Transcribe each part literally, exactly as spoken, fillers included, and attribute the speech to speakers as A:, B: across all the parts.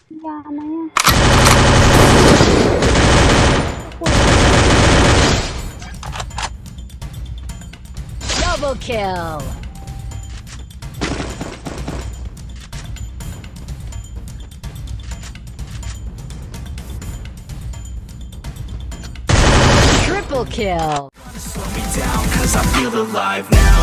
A: ยาไหมอ่ะ
B: Double kill. Triple kill.
C: Slow me down, cause I feel alive now.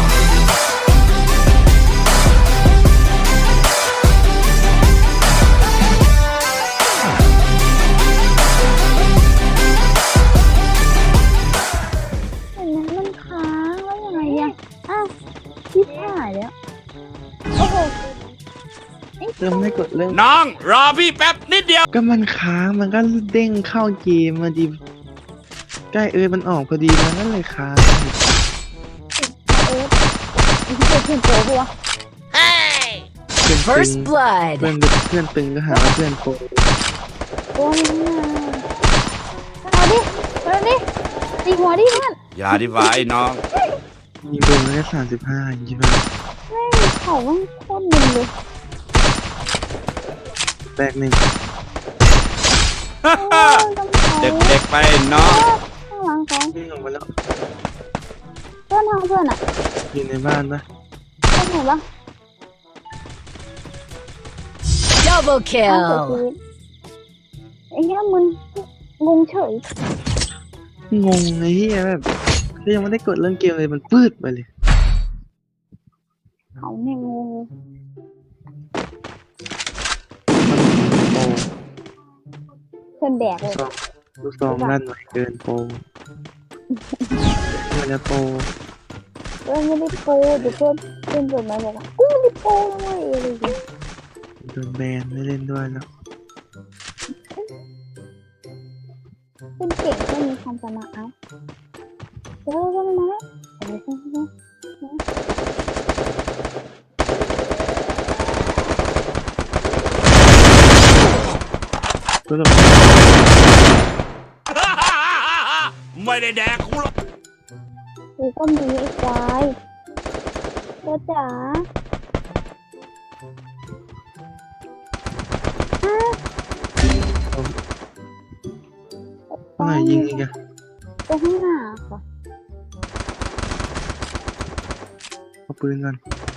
A: เห็นไหมมันค้างแล้วยังไงอ่ะอ้าวชิบหายแล้วโอ้โหไอ้
D: เริ่มไม่กดเริ่ม
E: น้องรอพี่แป๊บนิดเดียว
D: ก็มันค้างมันก็เด้งเข้าเกมมาดีใกล้เอ้ยมันออกพอดีมันก็เลยค้าง
A: เอิร์ธไอ้ที่เพื่อนโตปะวะ
D: เพื่อนตึง
B: First blood.
D: เพื่อนเพื่อนตึงก็หาว่าเพื่อนโปร
A: โอ้ยเอาดิเอาดิตีหัวดิเพื่อน
E: อย่าดีกว่าไอ้น้อง
D: ยิงโดนมาแค่สามสิบห้าอย่างงี้ป่ะ
A: แม่งเขาแม่งโคตรมึนเลย
D: แตกหนึ่ง
A: โอ้ยต้องเขา
E: เด็กๆไปน้อง
A: ข้างหลังเขา
D: วิ่งออกมาแล้ว
A: เพื่อนทางเพื่อนอ่ะ
D: อยู่ในบ้านปะ
A: เพื่อนเห็นปะ
B: Double
A: อ้าวเสียชี
B: kill.
A: วิตไอ้เหี้ยมึนงงเฉย
D: งงไอ้เหี้ยแบบก็ยังไม่ได้กดเรื่องเกมเลยมันปืดไปเลย
A: เขาเนี่ยงง
D: โปร
A: เพื่อนแดกเลย
D: ซองลูกซองลั่นไวเกินโปรมันจะโปร
A: เพื่อนไม่ได้โปรเดี๋ยวเพื่อนเพื่อนจดหมายบอกว่ากูไม่ได้โปรนะเว้ยอะไรอย่างเงี้ย
D: โดนแบนไม่เล่นด้วยแล้ว
A: เพื่อนเก่งเพื่อนมีความสามารถเอาเดี๋ยวเพื่อนมาเดี๋ยวเพื่อนมา
D: ก็แบบ
E: ไม่ได้แดกกูหรอก
A: กูก็มีไอ้ควายตัวจ๋าฮะ
D: เมื่อไหร่ยิงอีกอะ
A: ตัวข้างหน้าค่ะ
D: เอาปืนก่อน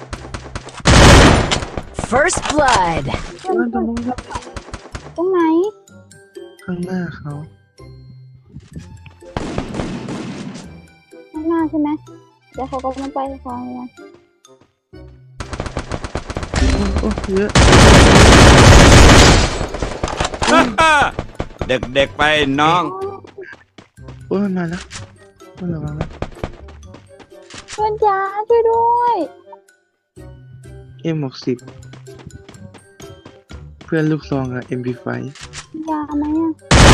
B: First blood.
A: เพื่อน
D: เพื่อนต
A: เพื่
D: ร
A: อน
D: งนู้นครับ
A: ตรงไหน
D: ข้างหน้าเขา
A: ข้างหน้าใช่ไหมเดี๋ยวเขาก็มาไปฟังกัน
D: โอ้เยอะ
E: เด็กๆไปน้อง
D: โอ้ยมันมาแล้วมันระวังแล้ว
A: เพื่อนจ๋าช่วยด้วย
D: เอ็มหกสิบเพื่อนลูกซองกับเอ็มพีไฟ
A: ยาไหมอ่ะ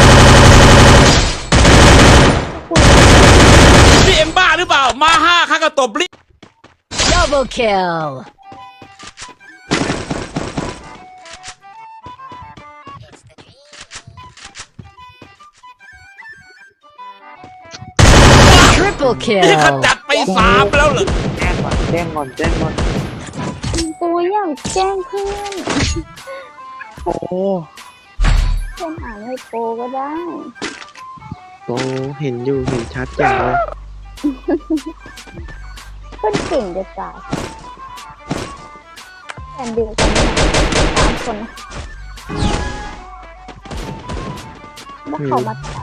E: พี่เอ็มบ้าหรือเปล่า มาห้าข้าก็ตบลิ
B: Double kill. Triple
E: นี่ข
B: kill.
E: จัดไปสามแล้วเหรอ
D: แจ้งก่อนแจ้งก่อนแจ้งก่อน
A: ตัวอยากแจ้งเพื่อน
D: โอ้
A: เพื่อนอ่านให้โปรก็ได้
D: โตเห็นอยู่เห็นชัดจังเลย
A: เพื่อนเก่งจะตายแอนเดียวกันเนี่ยสามคนนะแล้วเขามาถาม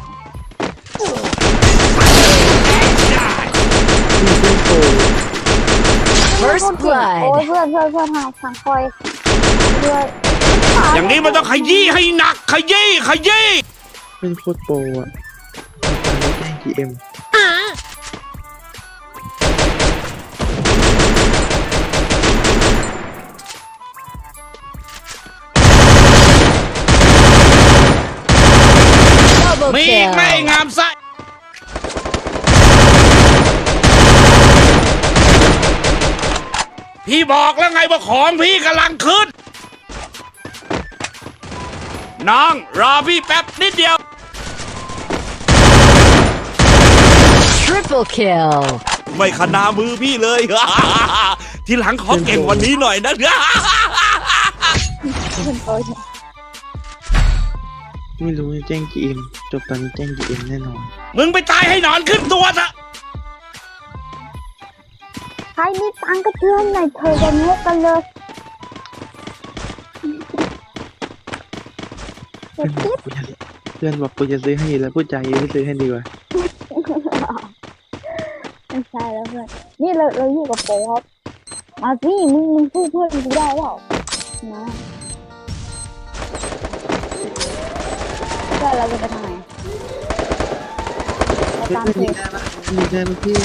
D: เพื่อนโต
B: First
A: โอ้ย
B: blood.
A: เพื่อนเพื่อนเพื่อนทางทางคอยเพื่อน
E: อย่างนี้มันต้องขยี้ให้หนัก ขยี้ขยี้
D: เป็นโคตรโปรอ่ะตอนนี้แจ้งกี่เอ็ม
B: Double
E: มีอีกไหม่
B: kill.
E: งามไส้พี่บอกแล้วไงว่าของพี่กำลังขึ้น น้องรอพี่แป๊บนิดเดียว
B: Triple kill.
E: ไม่ขนามือพี่เลย ทีหลังขอเก่งกวันนี้หน่อยนะ
A: เพื่อนโต
D: ไม่รู้แจ้ง จี เอ็ม จบตอนนี้แจ้ง จี เอ็ม แน่นอน
E: มึงไปตายให้หนอนขึ้นตัวซะ
A: ใครมีตังค์ก็เชื่อหน่อยเธอจะงกกันเลยเดี๋ยวคิด
D: เพื่อนบอกกูจะซื้อให้แล้วพูดใจาไม่ซื้อให้ดีกว่า
A: ไม่ใช่แล้วเพื่อนนี่เราเราอยู่กับโป๊ครับมาสิมึงมึงสู้เพื่อนกูได้เปล่ามาเพื่อนเราจะไปทางไหนไปตามเพ
D: มี
A: จ
D: ได้ปะมีได้ปะพี่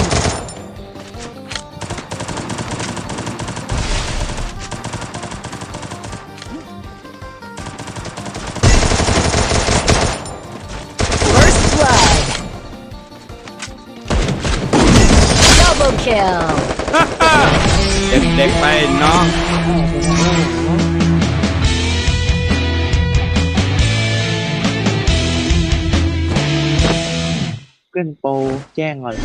B: First blood. Double kill.
E: เด็กๆไปน้อง
D: เพื่อนโปรแจ้งก่อน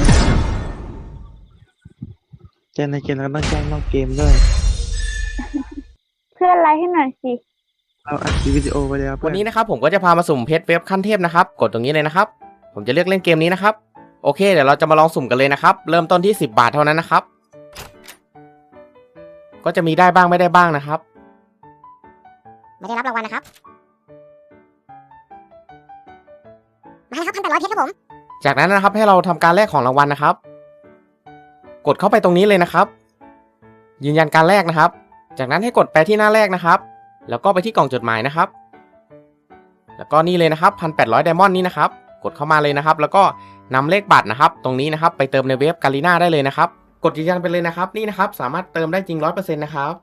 D: แจ้งในเกมแล้วก็ต้องแจ้งนอกเกมด้วย
A: เพื่อนไลค์ให้หน่อยสิ
D: เราอัดคลิปวิดีโอไปแล้วเพื่
F: วั
D: อน
F: นนี้นะครับผมก็จะพามาสุ่มเพชรเว็บขั้นเทพนะครับกดตรงนี้เลยนะครับผมจะเลือกเล่นเกมนี้นะครับโอเคเดี๋ยวเราจะมาลองสุ่มกันเลยนะครับเริ่มต้นที่สิบบาทเท่านั้นนะครับก็จะมีได้บ้างไม่ได้บ้างนะครับ
G: ไม่ได้รับรางวัลนะครับ มาเลยครับพันแปดร้อยเพชรครับผม
F: จากนั้นนะครับให้เราทำการแลกของรางวัลนะครับ กดเข้าไปตรงนี้เลยนะครับ ยืนยันการแลกนะครับ จากนั้นให้กดไปที่หน้าแรกนะครับ แล้วก็ไปที่กล่องจดหมายนะครับ แล้วก็นี่เลยนะครับพันแปดร้อยไดมอนด์นี่นะครับกดเข้ามาเลยนะครับ แล้วก็นำเลขบัตรนะครับ ตรงนี้นะครับไปเติมในเว็บกาลิน่าได้เลยนะครับ กดยืนยันไปเลยนะครับนี่นะครับสามารถเติมได้จริง ร้อยเปอร์เซ็นต์ นะครับ